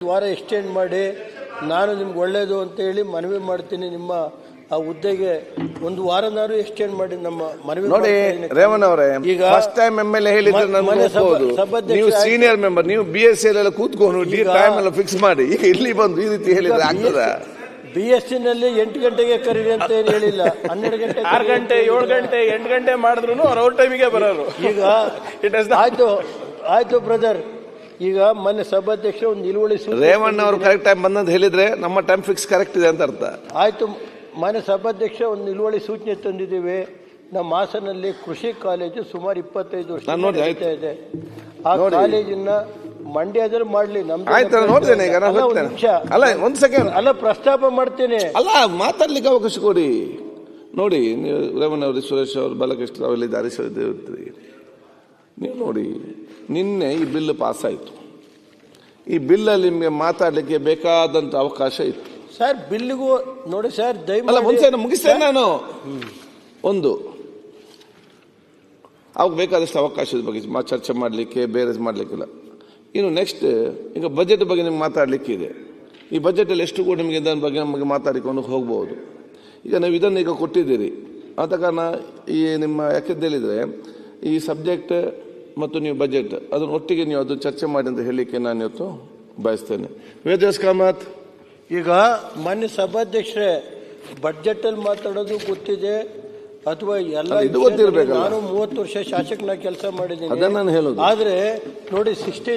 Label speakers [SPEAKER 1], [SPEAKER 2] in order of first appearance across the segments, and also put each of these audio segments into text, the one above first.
[SPEAKER 1] ವಾರ ಎಕ್ಸ್ಟೆಂಡ್ ಮಾಡಿ ನಾನು ನಿಮ್ಗೆ ಒಳ್ಳೆಯದು ಅಂತೇಳಿ ಮನವಿ ಮಾಡ್ತೀನಿ. ನಿಮ್ಮ ಆ ಹುದ್ದೆಗೆ ಒಂದು ವಾರನಾರು ಎಕ್ಸ್ಟೆಂಡ್ ಮಾಡಿ ನಮ್ಮ ಮನವಿ.
[SPEAKER 2] ನೋಡಿ ರೇವಣ್ಣ ಅವರೇ, ಈಗ ಫಸ್ಟ್ ಟೈಮ್ ಎಮ್ಎಲ್ಎ ಹೇಳಿದ್ರೆ ನೀವು ಸೀನಿಯರ್ ಮೆಂಬರ್, ನೀವು BSc ಎಲ್ಲ ಕೂತ್ಕೊಂಡು ಟೈಮ್ ಎಲ್ಲ ಫಿಕ್ಸ್ ಮಾಡಿ ಈಗ ಇಲ್ಲಿ ಬಂದು ಈ ರೀತಿ ಹೇಳಿದ್ರೆ ಆಗ್ತದ?
[SPEAKER 1] BSc ನಲ್ಲಿ 8 ಗಂಟೆಗೆ ಕರೀರಿ ಅಂತ ಏನು ಹೇಳಿಲ್ಲ, 12 ಗಂಟೆ,
[SPEAKER 3] 6 ಗಂಟೆ, 7 ಗಂಟೆ, 8 ಗಂಟೆ ಮಾಡಿದ್ರು ಅವ್ರ ಟೈಮಿಗೆ ಬರೋರು.
[SPEAKER 1] ಈಗ ಆಯ್ತು ಬ್ರದರ್, ಈಗ ಮೊನ್ನೆ ಸಭಾಧ್ಯಕ್ಷ ಒಂದು ನಿಲುವಳಿ
[SPEAKER 2] ರೇವಣ್ಣ ಅವರು ಕರೆಕ್ಟ್ ಟೈಮ್ ಬಂದಂತ ಹೇಳಿದ್ರೆ ನಮ್ಮ ಟೈಮ್ ಫಿಕ್ಸ್ ಕರೆಕ್ಟ್ ಇದೆ ಅಂತ ಅರ್ಥ.
[SPEAKER 1] ಆಯ್ತು, ಮಾನ್ಯ ಸಭಾಧ್ಯಕ್ಷ ಒಂದು ನಿಲುವಳಿ ಸೂಚನೆ ತಂದಿದ್ದೀವಿ. ನಮ್ಮ ಹಾಸನಲ್ಲಿ ಕೃಷಿ ಕಾಲೇಜು ಸುಮಾರು 25 ವರ್ಷ ಇದೆ. ಆ ಕಾಲೇಜನ್ನ ಮಂಡ್ಯದಲ್ಲಿ ಮಾಡ್ಲಿ.
[SPEAKER 2] ನೋಡ್ತೇನೆ ಈಗ, ಅಲ್ಲ ಒಂದ್ ಸೆಕೆಂಡ್,
[SPEAKER 1] ಅಲ್ಲ ಪ್ರಸ್ತಾಪ ಮಾಡ್ತೇನೆ,
[SPEAKER 2] ಅಲ್ಲ ಮಾತಾಡ್ಲಿಕ್ಕೆ ಅವಕಾಶ ಕೊಡಿ. ನೋಡಿ ನೀವು ರೇವಣ್ಣ ಅವರು, ಸುರೇಶ್ ಅವರು, ಬಾಲಕೃಷ್ಣ ಅವರಿದ್ದಾರೆ, ನೀವು ನೋಡಿ ನಿನ್ನೆ ಈ ಬಿಲ್ ಪಾಸ್ ಆಯಿತು. ಈ ಬಿಲ್ಲಲ್ಲಿ ನಿಮಗೆ ಮಾತಾಡಲಿಕ್ಕೆ ಬೇಕಾದಂತ ಅವಕಾಶ ಇತ್ತು
[SPEAKER 1] ಸರ್. ಬಿಲ್ಗೂ ನೋಡಿ ಸರ್,
[SPEAKER 2] ಮುಂಚೆ ಮುಗಿಸ್ತೇನೆ ನಾನು. ಒಂದು ಅವಾಗ ಬೇಕಾದಷ್ಟು ಅವಕಾಶದ ಬಗ್ಗೆ ಚರ್ಚೆ ಮಾಡಲಿಕ್ಕೆ, ಬೇರೆ ಮಾಡಲಿಕ್ಕಿಲ್ಲ. ಇನ್ನು ನೆಕ್ಸ್ಟ್ ಈಗ ಬಜೆಟ್ ಬಗ್ಗೆ ನಿಮ್ಗೆ ಮಾತಾಡಲಿಕ್ಕೆ ಇದೆ. ಈ ಬಜೆಟಲ್ಲಿ ಎಷ್ಟು ಕೂಡ ನಿಮಗೆ ಇದರ ಬಗ್ಗೆ ನಮಗೆ ಮಾತಾಡಿಕೊಂಡು ಹೋಗ್ಬೋದು. ಈಗ ನೀವು ಇದನ್ನು ಈಗ ಕೊಟ್ಟಿದ್ದೀರಿ, ಆದ ಕಾರಣ ಈ ನಿಮ್ಮ ಯಾಕೆಂತ ಹೇಳಿದರೆ ಈ ಸಬ್ಜೆಕ್ಟ್ ಮತ್ತು ನೀವು ಬಜೆಟ್ ಅದನ್ನು ಒಟ್ಟಿಗೆ ನೀವು ಅದು ಚರ್ಚೆ ಮಾಡಿ ಅಂತ ಹೇಳಲಿಕ್ಕೆ ನಾನು ಇವತ್ತು ಬಯಸ್ತೇನೆ. ವೇದವ್ಯಾಸ್ ಕಾಮತ್,
[SPEAKER 1] ಈಗ ಮಾನ್ಯ ಸಭಾಧ್ಯಕ್ಷರೇ, ಬಡ್ಜೆಟ್ ಅಲ್ಲಿ ಮಾತಾಡೋದು ಗೊತ್ತಿದೆ ಅಥವಾ ಎಲ್ಲ ನಾನು 30 ವರ್ಷ ಶಾಸಕನಾಗಿ ಕೆಲಸ ಮಾಡಿದ್ದೀನಿ. ಆದ್ರೆ ನೋಡಿ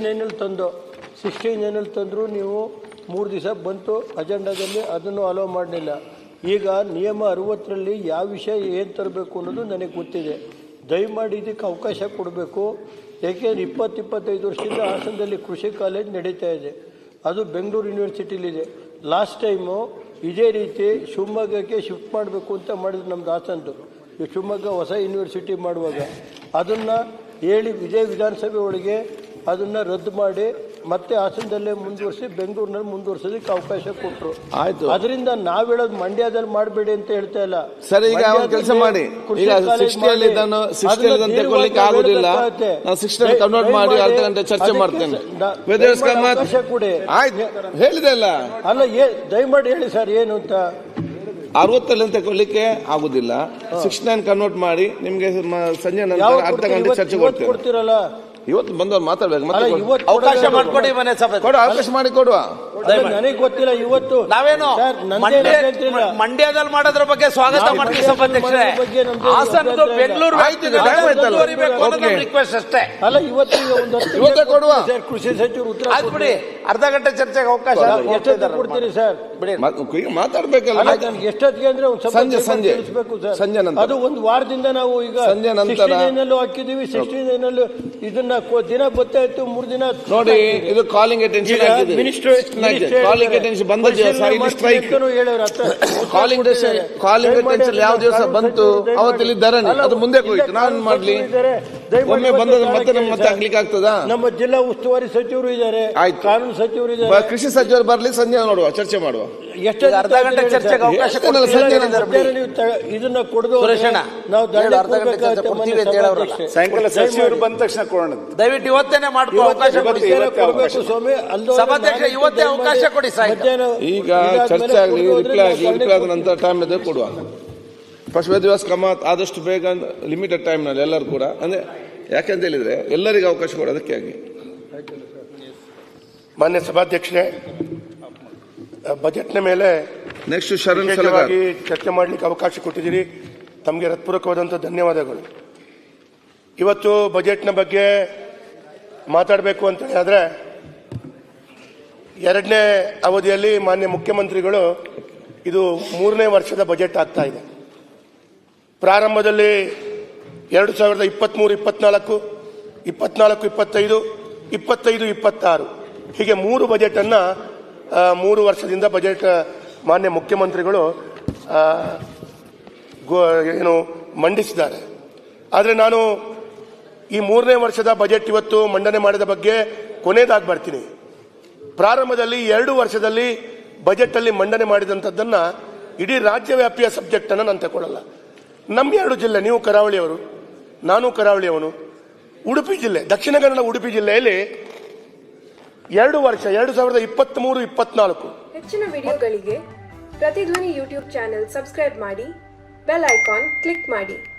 [SPEAKER 1] 69 ತಂದ್ರು ನೀವು 3 ದಿವಸ ಬಂತು ಅಜೆಂಡಾದಲ್ಲಿ, ಅದನ್ನು ಅಲೋ ಮಾಡಲಿಲ್ಲ. ಈಗ ನಿಯಮ 60ರಲ್ಲಿ ಯಾವ ವಿಷಯ ಏನು ತರಬೇಕು ಅನ್ನೋದು ನನಗೆ ಗೊತ್ತಿದೆ. ದಯಮಾಡಿ ಇದಕ್ಕೆ ಅವಕಾಶ ಕೊಡಬೇಕು. ಏಕೆಂದರೆ 20-25 ವರ್ಷದಿಂದ ಹಾಸನದಲ್ಲಿ ಕೃಷಿ ಕಾಲೇಜ್ ನಡೀತಾ ಇದೆ. ಅದು ಬೆಂಗಳೂರು ಯೂನಿವರ್ಸಿಟಿಲಿದೆ. ಲಾಸ್ಟ್ ಟೈಮು ಇದೇ ರೀತಿ ಶಿವಮೊಗ್ಗಕ್ಕೆ ಶಿಫ್ಟ್ ಮಾಡಬೇಕು ಅಂತ ಮಾಡಿದ್ರು ನಮ್ದು ಹಾಸನದ್ದು. ಶಿವಮೊಗ್ಗ ಹೊಸ ಯೂನಿವರ್ಸಿಟಿ ಮಾಡುವಾಗ ಅದನ್ನು ಹೇಳಿ ಇದೇ ವಿಧಾನಸಭೆ ಒಳಗೆ ಅದನ್ನು ರದ್ದು ಮಾಡಿ ಮತ್ತೆ ಹಾಸನದಲ್ಲೇ ಮುಂದುವರಿಸಿ ಬೆಂಗಳೂರಿನಲ್ಲಿ ಮುಂದುವರಿಸೋದಕ್ಕೆ ಅವಕಾಶ ಕೊಟ್ಟರು. ಆಯ್ತು, ಅದರಿಂದ ನಾವು ಹೇಳೋದು ಮಂಡ್ಯದಲ್ಲಿ ಮಾಡಬೇಡಿ ಅಂತ ಹೇಳ್ತಾ ಇಲ್ಲ
[SPEAKER 2] ಸರ್. ಈಗ ಕೆಲಸ ಮಾಡಿ, ಈಗ 60 ತಗೊಳ್ಳಿಕ್ಕೆ ಆಗುದಿಲ್ಲ, ನಾನು 60 ಕನ್ವರ್ಟ್ ಮಾಡಿ ಅರ್ಧ ಗಂಟೆ ಚರ್ಚೆ ಮಾಡ್ತೇನೆ.
[SPEAKER 1] ಅವಕಾಶ ಕೊಡಿ.
[SPEAKER 2] ಆಯ್ತು, ಹೇಳಿದೆ ಅಲ್ಲ.
[SPEAKER 1] ಅಲ್ಲ, ದಯಮಾಡಿ ಹೇಳಿ ಸರ್ ಏನು ಅಂತ.
[SPEAKER 2] 60 ತಗೊಳ್ಳಿಕ್ಕೆ ಆಗುದಿಲ್ಲ, 69 ಕನ್ವರ್ಟ್ ಮಾಡಿ ನಿಮ್ಗೆ ಸಂಜೆ ನಂತರ ಅರ್ಧ ಗಂಟೆ ಚರ್ಚೆ
[SPEAKER 1] ಕೊಡ್ತೀರಲ್ಲ.
[SPEAKER 2] ಇವತ್ತು ಬಂದವರು ಮಾತಾಡ್ಬೇಕು,
[SPEAKER 3] ಅವಕಾಶ ಮಾಡಿಕೊಡಿ, ಮನೆ ಸಭೆ
[SPEAKER 2] ಅವಕಾಶ ಮಾಡಿ ಕೊಡುವ.
[SPEAKER 1] ನನಗೆ ಗೊತ್ತಿಲ್ಲ ಇವತ್ತು
[SPEAKER 3] ನಾವೇನು ಮಂಡ್ಯದಲ್ಲಿ ಮಾಡೋದ್ರ ಬಗ್ಗೆ ಸ್ವಾಗತ ಮಾಡ್ತೀವಿ ಸಭಾಧ್ಯಕ್ಷರೇ. ಹಾಸನದ್ದು ಬೆಂಗಳೂರು ರಿಕ್ವೆಸ್ಟ್ ಅಷ್ಟೇ.
[SPEAKER 1] ಅಲ್ಲ,
[SPEAKER 2] ಇವತ್ತೇ ಕೊಡುವ.
[SPEAKER 1] ಕೃಷಿ ಸಚಿವರು ಉತ್ತರ
[SPEAKER 3] ಬಿಡಿ, ಅರ್ಧ ಗಂಟೆ ಚರ್ಚೆಗೆ ಅವಕಾಶ
[SPEAKER 1] ಕೊಡ್ತೀರಿ ಸರ್.
[SPEAKER 2] ಬಿಡಿ, ಮಾತಾಡ್ಬೇಕಲ್ಲ.
[SPEAKER 1] ಎಷ್ಟೊತ್ತಿಗೆ ಅಂದ್ರೆ
[SPEAKER 2] ಸಂಜೆ ನಂತರ,
[SPEAKER 1] ಅದು ಒಂದು ವಾರದಿಂದ ನಾವು ಈಗ
[SPEAKER 2] ಸಂಜೆ ನಂತರ
[SPEAKER 1] ಹಾಕಿದೀವಿ. 69 ಇದನ್ನ ದಿನ ಗೊತ್ತಾಯ್ತು, 3 ದಿನ
[SPEAKER 2] ನೋಡಿ. ಇದು ಕಾಲಿಂಗ್ ಅಟೆನ್ಷನ್ ಆಗಿದೆ. ಕಾಲಿಂಗ್ ಅಟೆನ್ಷನ್ ಬಂದ ದಿವಸ ಇಲ್ಲಿ ಸ್ಟ್ರೈಕ್, ಕಾಲಿಂಗ್ ಅಟೆನ್ಷನ್ ಯಾವ ದಿವಸ ಬಂತು ಅವತ್ತಿಲ್ಲಿ ಧರಣಿ, ಅದು ಮುಂದೆ ಹೋಯ್ತು. ನಾನು ಮಾಡ್ಲಿ, ಒಮ್ಮೆ ಬಂದದ ಮತ್ತೆ ಆಗ್ಲಿಕ್ಕೆ ಆಗ್ತದಾ?
[SPEAKER 1] ನಮ್ಮ ಜಿಲ್ಲಾ ಉಸ್ತುವಾರಿ ಸಚಿವರು ಇದ್ದಾರೆ, ಕಾನೂನು ಸಚಿವರು ಇದ್ದಾರೆ,
[SPEAKER 2] ಕೃಷಿ ಸಚಿವರು ಬರ್ಲಿ, ಸಂಜೆ ನೋಡುವ, ಚರ್ಚೆ ಮಾಡುವ.
[SPEAKER 3] ಎಷ್ಟು ಅರ್ಧ ಗಂಟೆ ಚರ್ಚೆಗೆ ಅವಕಾಶ
[SPEAKER 1] ಇದನ್ನ ಕೊಡದು ನಾವು
[SPEAKER 3] ಸಾಯಂಕಾಲ ಸಚಿವರು ಬಂದ ತಕ್ಷಣ ಕೊಡೋಣ. ದಯವಿಟ್ಟು ಇವತ್ತೇನೆ ಮಾಡ್ಕೊ, ಅವಕಾಶ ಕೊಡಿ
[SPEAKER 1] ಸ್ವಾಮಿ.
[SPEAKER 3] ಸಭಾಧ್ಯಕ್ಷ ಇವತ್ತೇ ಅವಕಾಶ ಕೊಡಿ.
[SPEAKER 2] ಈಗ ಚರ್ಚೆ ಆಗಲಿ, ರಿಪ್ಲೈ ಆದ ನಂತರ ಟೈಮ್ ಇದೆ ಕೊಡುವ. ಫಸ್ಟ್ ವೇದವ್ಯಾಸ್ ಕಾಮತ್ ಆದಷ್ಟು ಬೇಗ ಲಿಮಿಟೆಡ್ ಟೈಮ್ ನಲ್ಲಿ ಎಲ್ಲರೂ ಕೂಡ, ಅಂದ್ರೆ ಯಾಕೆಂತ ಹೇಳಿದ್ರೆ ಎಲ್ಲರಿಗೂ ಅವಕಾಶ ಕೊಡೋದಕ್ಕೆ ಆಗಿ.
[SPEAKER 4] ಮಾನ್ಯ ಸಭಾಧ್ಯಕ್ಷರೇ, ಬಜೆಟ್ನ ಮೇಲೆ
[SPEAKER 2] ನೆಕ್ಸ್ಟ್
[SPEAKER 4] ಚರ್ಚೆ ಮಾಡಲಿಕ್ಕೆ ಅವಕಾಶ ಕೊಟ್ಟಿದ್ದೀರಿ, ತಮಗೆ ಹೃತ್ಪೂರ್ವಕವಾದಂಥ ಧನ್ಯವಾದಗಳು. ಇವತ್ತು ಬಜೆಟ್ನ ಬಗ್ಗೆ ಮಾತಾಡಬೇಕು ಅಂತ ಹೇಳಿದ್ರೆ, 2ನೇ ಅವಧಿಯಲ್ಲಿ ಮಾನ್ಯ ಮುಖ್ಯಮಂತ್ರಿಗಳು ಇದು 3ನೇ ವರ್ಷದ ಬಜೆಟ್ ಆಗ್ತಾ ಇದೆ. ಪ್ರಾರಂಭದಲ್ಲಿ 2023-24, 24-25, 25-26 ಹೀಗೆ 3 ಬಜೆಟನ್ನು 3 ವರ್ಷದಿಂದ ಬಜೆಟ್ ಮಾನ್ಯ ಮುಖ್ಯಮಂತ್ರಿಗಳು ಮಂಡಿಸಿದ್ದಾರೆ. ಆದರೆ ನಾನು ಈ 3ನೇ ವರ್ಷದ ಬಜೆಟ್ ಇವತ್ತು ಮಂಡನೆ ಮಾಡಿದ ಬಗ್ಗೆ ಕೊನೆಯದಾಗಿ ಬರ್ತೀನಿ. ಪ್ರಾರಂಭದಲ್ಲಿ 2 ವರ್ಷದಲ್ಲಿ ಬಜೆಟ್ ಅಲ್ಲಿ ಮಂಡನೆ ಮಾಡಿದಂಥದ್ದನ್ನ ಇಡೀ ರಾಜ್ಯವ್ಯಾಪಿಯ ಸಬ್ಜೆಕ್ಟ್ ಅನ್ನು ನಾನು ತಗೊಳ್ಳಲ್ಲ. ನಮ್ಮ 2 ಜಿಲ್ಲೆ, ನೀವು ಕರಾವಳಿಯವರು, ನಾನು ಕರಾವಳಿಯವನು, ಉಡುಪಿ ಜಿಲ್ಲೆ, ದಕ್ಷಿಣ ಕನ್ನಡ ಉಡುಪಿ ಜಿಲ್ಲೆಯಲ್ಲಿ 2 ವರ್ಷ 2023-24.
[SPEAKER 5] ಹೆಚ್ಚಿನ ವಿಡಿಯೋಗಳಿಗೆ ಪ್ರತಿಧ್ವನಿ ಯೂಟ್ಯೂಬ್ ಚಾನೆಲ್ ಸಬ್ಸ್ಕ್ರೈಬ್ ಮಾಡಿ, ಬೆಲ್ ಐಕಾನ್ ಕ್ಲಿಕ್ ಮಾಡಿ.